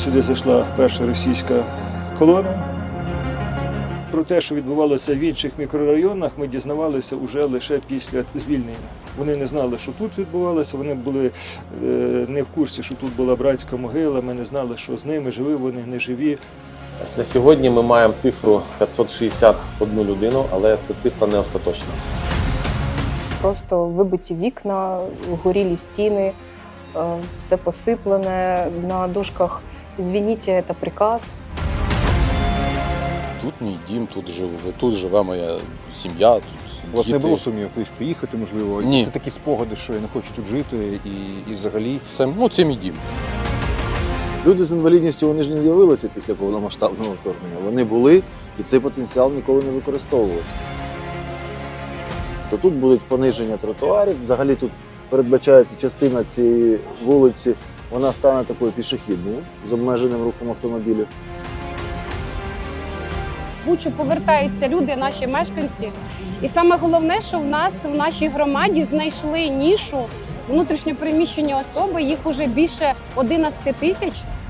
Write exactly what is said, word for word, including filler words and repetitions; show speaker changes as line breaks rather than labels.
сюди зайшла перша російська колона. Про те, що відбувалося в інших мікрорайонах, ми дізнавалися вже лише після звільнення. Вони не знали, що тут відбувалося, вони були е, не в курсі, що тут була братська могила, ми не знали, що з ними, живі вони, не живі.
На сьогодні ми маємо цифру п'ятсот шістдесят одну людину, але це цифра не остаточна.
Просто вибиті вікна, горілі стіни, все посиплене, на дошках «Извините, це приказ».
Тут мій дім, тут живу, тут живе моя сім'я, тут
У вас
діти.
не було сумніву кудись поїхати, можливо?
Ні.
Це такі спогади, що я не хочу тут жити і, і взагалі.
Це, ну, це мій дім.
Люди з інвалідністю, вони ж не з'явилися після повномасштабного вторгнення. Вони були, і цей потенціал ніколи не використовувався. То тут будуть пониження тротуарів. Взагалі тут передбачається частина цієї вулиці, вона стане такою пішохідною з обмеженим рухом автомобілів.
В Бучу повертаються люди, наші мешканці. І саме головне, що в нас в нашій громаді знайшли нішу внутрішньопереміщені особи, їх уже більше одинадцяти тисяч.